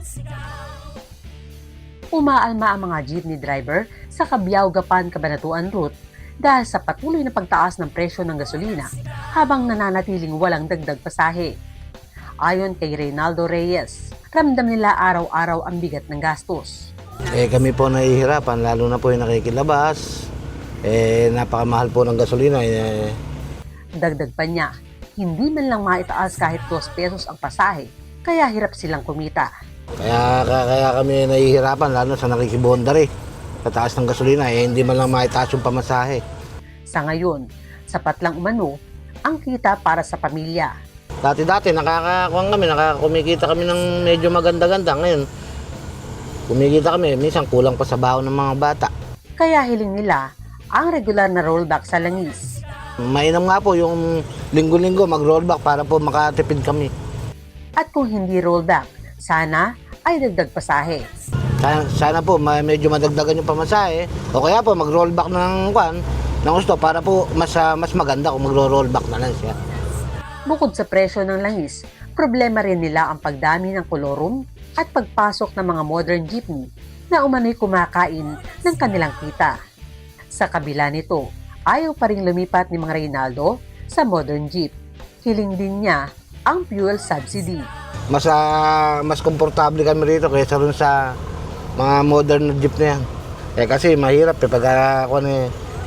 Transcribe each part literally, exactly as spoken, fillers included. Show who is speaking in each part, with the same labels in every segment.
Speaker 1: Umaalma ang mga jeepney driver sa Cabiao-Gapan Cabanatuan route dahil sa patuloy na pagtaas ng presyo ng gasolina habang nananatiling walang dagdag pasahe. Ayon kay Reynaldo Reyes, ramdam nila araw-araw ang bigat ng gastos.
Speaker 2: Eh kami po nahihirapan, lalo na po yung nakikilabas. Eh napakamahal po ng gasolina. Eh.
Speaker 1: Dagdag pa niya, hindi man lang maitaas kahit dos pesos ang pasahe, kaya hirap silang kumita.
Speaker 2: Kaya, kaya, kaya kami nahihirapan, lalo sa nakikibondar eh. Sa taas ng gasolina, eh hindi man lang maitaas yung pamasahe.
Speaker 1: Sa ngayon, sapat lang umano ang kita para sa pamilya.
Speaker 2: Dati-dati nakakakuha kami, nakakumikita kami ng medyo maganda-ganda. Ngayon, kumikita kami, minsan kulang pa sa baon ng mga bata.
Speaker 1: Kaya hiling nila ang regular na rollback sa langis.
Speaker 2: Mainam nga po yung linggo-linggo mag-rollback para po makatipid kami.
Speaker 1: At kung hindi rollback, sana ay dagdag pasahe.
Speaker 2: Sana, sana po ma- medyo madagdagan yung pamasahe o kaya po mag-rollback ng kwan ng gusto para po mas, uh, mas maganda kung magro-rollback na lang siya.
Speaker 1: Bukod sa presyo ng langis, problema rin nila ang pagdami ng kolorum at pagpasok ng mga modern jeepney na umano'y kumakain ng kanilang kita. Sa kabila nito, ayaw pa rin lumipat ni Mang Reynaldo sa modern jeep. Hiling din niya ang fuel subsidy.
Speaker 2: Mas, uh, mas komportable kami rito kaysa rin sa mga modern na jeep na yan. Eh kasi mahirap eh pag uh, eh,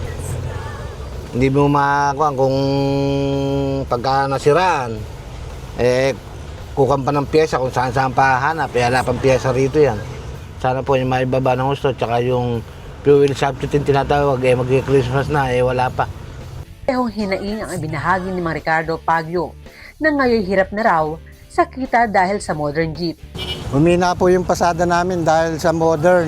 Speaker 2: hindi mo makakuha kung pagka nasiraan, eh kukan pa ng pyesa kung saan saan pa hanap, eh wala pang pyesa rito yan. Sana po yung maibaba ng gusto, tsaka yung fuel substitute yung tinatawag, eh mag-Christmas na, eh wala pa.
Speaker 1: Parehong hinaing ang ibinahagi ni Mang Ricardo Pagyo na ngayon hirap na raw sa kita dahil sa modern jeep.
Speaker 3: Humina po yung pasada namin dahil sa modern.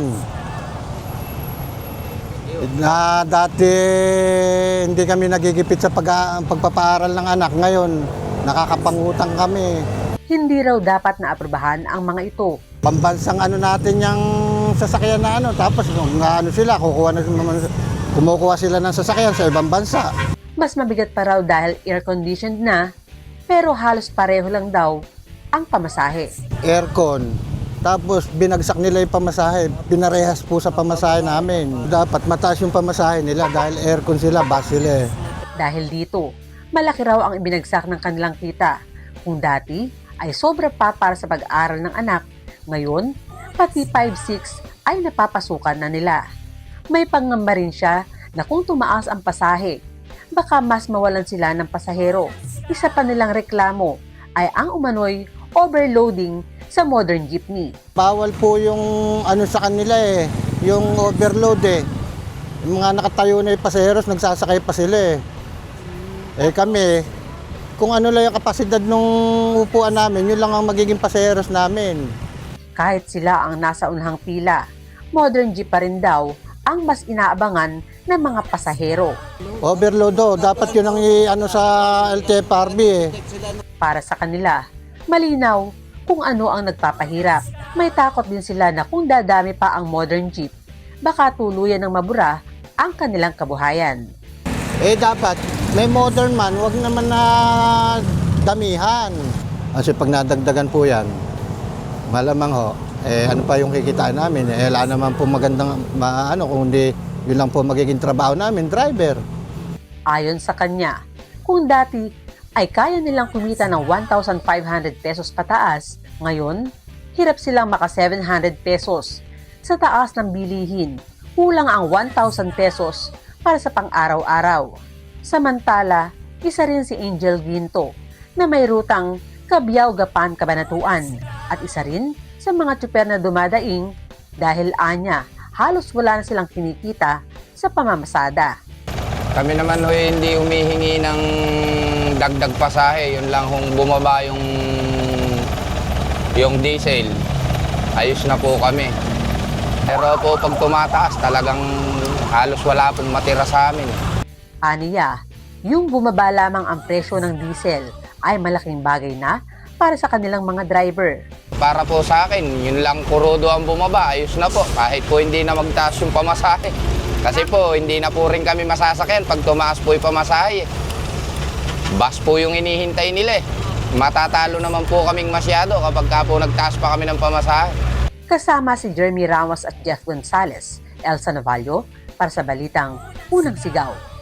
Speaker 3: Na dati hindi kami nagigipit sa pag pagpapaaral ng anak, ngayon nakakapangutang kami.
Speaker 1: Hindi raw dapat na aprubahan ang mga ito.
Speaker 3: Pambansang ano natin yung sasakyan na ano, tapos kung ano sila, kukuha na, kumukuha sila ng sasakyan sa ibang bansa.
Speaker 1: Mas mabigat pa raw dahil air-conditioned na, pero halos pareho lang daw ang pamasahe.
Speaker 3: Aircon, tapos binagsak nila yung pamasahe, pinarehas po sa pamasahe namin. Dapat mataas yung pamasahe nila dahil aircon sila, bus sila eh.
Speaker 1: Dahil dito, malaki raw ang ibinagsak ng kanilang kita. Kung dati ay sobra pa para sa pag-aaral ng anak, ngayon, pati five six ay napapasukan na nila. May pangamba rin siya na kung tumaas ang pasahe, baka mas mawalan sila ng pasahero. Isa pa nilang reklamo ay ang umano'y overloading sa modern jeepney.
Speaker 3: Bawal po yung ano sa kanila eh, yung overload eh. Yung mga nakatayo na yung pasaheros, nagsasakay pa sila eh. Eh kami, kung ano lang yung kapasidad ng upuan namin, yun lang ang magiging pasaheros namin.
Speaker 1: Kahit sila ang nasa unhang pila, modern jeep pa rin daw ang mas inaabangan ng mga pasahero.
Speaker 3: Overload oh, dapat yun ang i-ano sa L T F R B eh.
Speaker 1: Para sa kanila, malinaw kung ano ang nagpapahirap. May takot din sila na kung dadami pa ang modern jeep, baka tuluyan ng mabura ang kanilang kabuhayan.
Speaker 3: Eh dapat, may modern man, wag naman na damihan. Kasi pag nadagdagan po yan, malamang ho, eh ano pa yung kikitaan namin, eh wala naman po magandang, ma, ano, kung hindi yun lang po magiging trabaho namin, driver.
Speaker 1: Ayon sa kanya, kung dati ay kaya nilang kumita ng one thousand five hundred pesos pataas, ngayon, hirap silang maka seven hundred pesos. Sa taas ng bilihin, kulang ang one thousand pesos para sa pang-araw-araw. Samantala, isa rin si Angel Ginto na may rutang Cabiao-Gapan Cabanatuan at isa rin sa mga tsuper na dumadaing dahil anya halos wala na silang kinikita sa pamamasada.
Speaker 4: Kami naman ho hindi humihingi ng dagdag pasahe, yun lang kung bumaba yung yung diesel, ayos na po kami. Pero po pag tumataas talagang halos wala pong matira sa amin.
Speaker 1: Aniya, yung bumaba lamang ang presyo ng diesel ay malaking bagay na para sa kanilang mga driver.
Speaker 4: Para po sa akin, yun lang kurudo ang bumaba, ayos na po. Kahit po hindi na magtaas yung pamasahe. Kasi po, hindi na po rin kami masasakyan pag tumaas po yung pamasahe. Bus po yung inihintay nila eh. Matatalo naman po kaming masyado kapag ka po nagtaas pa kami ng pamasahe.
Speaker 1: Kasama si Jeremy Ramos at Jeff Gonzalez, Elsa Navallo, para sa Balitang Unang Sigaw.